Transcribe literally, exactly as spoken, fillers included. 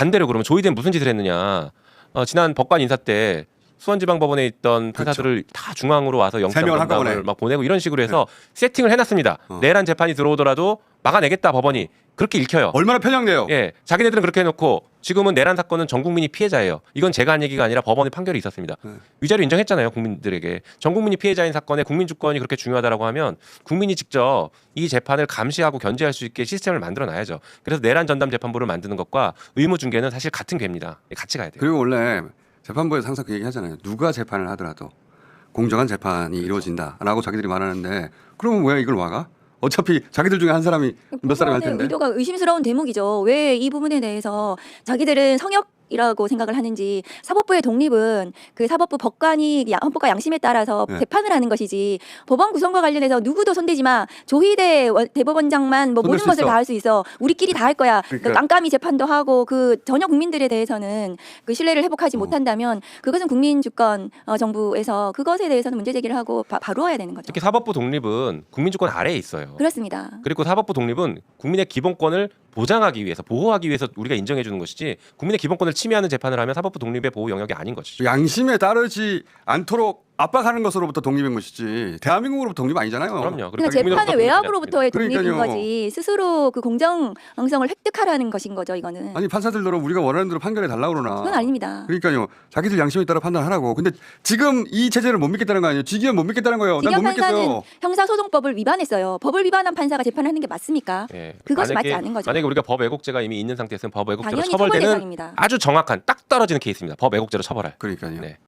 반대로 그러면 조희대는 무슨 짓을 했느냐? 어, 지난 법관 인사 때 수원지방법원에 있던 판사들을 그렇죠. 다 중앙으로 와서 세 명을 영장을 한꺼번에. 막 보내고 이런 식으로 해서 세팅을 해놨습니다. 어. 내란 재판이 들어오더라도 막아내겠다 법원이 그렇게 읽혀요. 얼마나 편향돼요. 예, 자기네들은 그렇게 해놓고 지금은 내란 사건은 전 국민이 피해자예요. 이건 제가 한 얘기가 아니라 법원의 판결이 있었습니다. 네. 위자료 인정했잖아요, 국민들에게. 전 국민이 피해자인 사건에 국민 주권이 그렇게 중요하다라고 하면 국민이 직접 이 재판을 감시하고 견제할 수 있게 시스템을 만들어놔야죠. 그래서 내란 전담 재판부를 만드는 것과 의무 중개는 사실 같은 궤입니다. 같이 가야 돼요. 그리고 원래 재판부에서 항상 그 얘기 하잖아요. 누가 재판을 하더라도 공정한 재판이 이루어진다라고 자기들이 말하는데 그러면 왜 이걸 막아? 어차피 자기들 중에 한 사람이 몇 사람이 할 텐데. 의도가 의심스러운 대목이죠. 왜 이 부분에 대해서 자기들은 성역 이라고 생각을 하는지. 사법부의 독립은 그 사법부 법관이 야- 헌법과 양심에 따라서 네. 재판을 하는 것이지 법원 구성과 관련해서 누구도 손대지 마. 조희대 원- 대법원장만 뭐 손댈 모든 수 것을 있어. 다 할 수 있어. 우리끼리 다 할 거야. 그러니까. 깜깜이 재판도 하고 그 전혀 국민들에 대해서는 그 신뢰를 회복하지 어. 못한다면 그것은 국민 주권 어, 정부에서 그것에 대해서는 문제 제기를 하고 바, 바로와야 되는 거죠. 특히 사법부 독립은 국민주권 아래에 있어요. 그렇습니다. 그리고 사법부 독립은 국민의 기본권을 보장하기 위해서 보호하기 위해서 우리가 인정해 주는 것이지 국민의 기본권을 침해하는 재판을 하면 사법부 독립의 보호 영역이 아닌 것이죠. 양심에 따르지 않도록 압박하는 것으로부터 독립인 것이지 대한민국으로부터 독립 아니잖아요. 그럼요. 그러니까 그리고 재판의 국민으로부터 외압으로부터의 독립인 그러니까요. 거지 스스로 그 공정성을 획득하라는 것인 거죠. 이거는 아니 판사들대로 우리가 원하는 대로 판결해 달라고 그러나. 그건 아닙니다. 그러니까요. 자기들 양심에 따라 판단하라고. 근데 지금 이 체제를 못 믿겠다는 거 아니에요. 직위원 못 믿겠다는 거예요. 난 직영 못 믿겠어요. 판사는 형사소송법을 위반했어요. 법을 위반한 판사가 재판하는 게 맞습니까? 예. 그것이 만약에- 맞지 않은 거죠. 만약에 우리가 법 왜곡죄가 이미 있는 상태에서는 법 왜곡죄로 당연히 처벌 처벌되는 대상입니다. 아주 정확한 딱 떨어지는 케이스입니다. 법 왜곡죄로 처벌할. 그러니까요. 네.